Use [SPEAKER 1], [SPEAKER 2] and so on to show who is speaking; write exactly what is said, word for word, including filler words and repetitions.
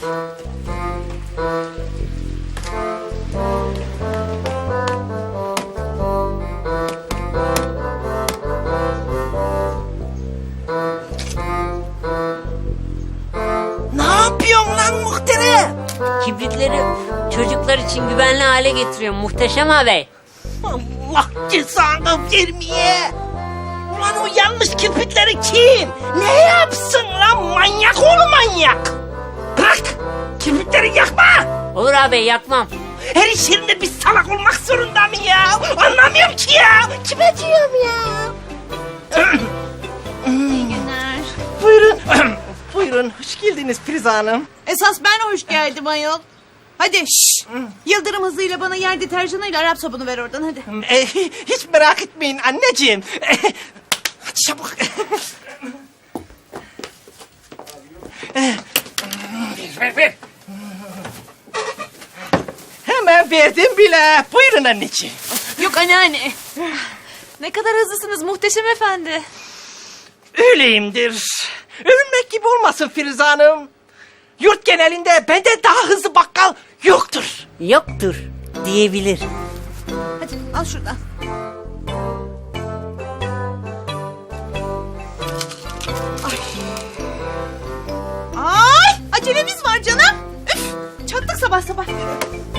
[SPEAKER 1] Ne yapıyorsun lan muhterem?
[SPEAKER 2] Kibritleri çocuklar için güvenli hale getiriyor Muhteşem ağabey.
[SPEAKER 1] Allah cezanı vermeye. Ulan o yanlış kirpikleri kim? Ne yapsın lan manyak oğlu manyak? Bırak! Kirpikleri yakma!
[SPEAKER 2] Olur ağabey, yakmam.
[SPEAKER 1] Her iş yerinde bir salak olmak zorunda mı ya? Anlamıyorum ki ya. Kime diyorum ya?
[SPEAKER 3] İyi günler.
[SPEAKER 1] Buyurun. Buyurun. Hoş geldiniz Firuze Hanım.
[SPEAKER 3] Esas ben hoş geldim ayol. Hadi şşş. Yıldırım hızıyla bana yer deterjanıyla Arap sabunu ver oradan hadi.
[SPEAKER 1] E, hiç merak etmeyin anneciğim. E, hadi çabuk. E, ver, ver, ver. Hemen verdim bile. Buyurun anneciğim.
[SPEAKER 3] Yok anneanne. Ne kadar hızlısınız Muhteşem Efendi.
[SPEAKER 1] Öyleyimdir. Övünmek gibi olmasın Firuze Hanım. Yurt genelinde benden daha hızlı bakkal yoktur.
[SPEAKER 2] Yoktur diyebilir.
[SPEAKER 3] Hadi al şuradan. Ay. Ay acelemiz var canım. Üf, çattık sabah sabah.